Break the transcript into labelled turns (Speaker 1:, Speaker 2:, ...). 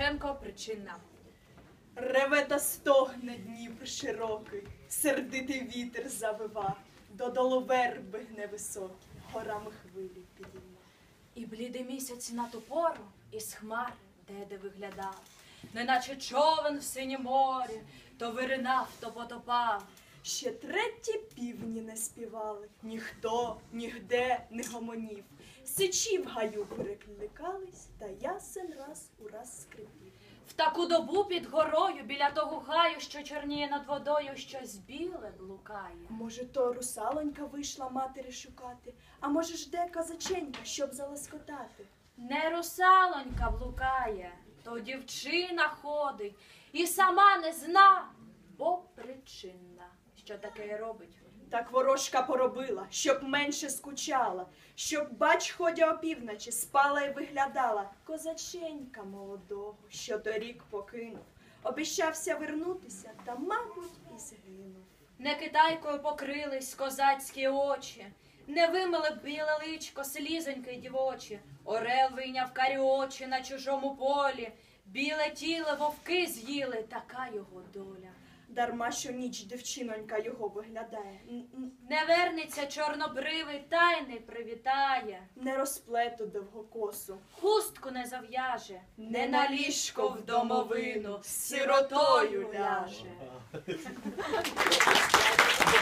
Speaker 1: Шевченко, Причина.
Speaker 2: Реве та стогне Дніпр широкий, сердитий вітер завива, додолу верби гне високі, горами хвилі підійма.
Speaker 1: І блідий місяць на ту пору із хмари де виглядав, неначе човен в синім морі, то виринав, то потопав.
Speaker 2: Ще треті півні не співали, ніхто нігде не гомонів. Сичі в гаю перекликались, та ясен раз у раз скрипів.
Speaker 1: В таку добу під горою, біля того гаю, що чорніє над водою, щось біле блукає.
Speaker 2: Може, то русалонька вийшла матері шукати, а може, жде козаченька, щоб залоскотати.
Speaker 1: Не русалонька блукає, то дівчина ходить і сама не зна, бо причинна, що таке робить.
Speaker 2: Так ворожка поробила, щоб менше скучала, щоб, бач, ходя опівночі, спала й виглядала. Козаченька молодого, що торік покинув, обіщався вернутися, та, мабуть, і згинув.
Speaker 1: Не китайкою покрились козацькі очі, не вимили б біле личко слізоньки дівочі, орел вийняв карі очі на чужому полі, біле тіло вовки з'їли, така його доля.
Speaker 2: Дарма, що ніч дівчинонька його виглядає,
Speaker 1: Не вернеться чорнобривий, та й не привітає,
Speaker 2: не розплету довгокосу,
Speaker 1: хустку не зав'яже, не на ліжко в домовину з сиротою ляже.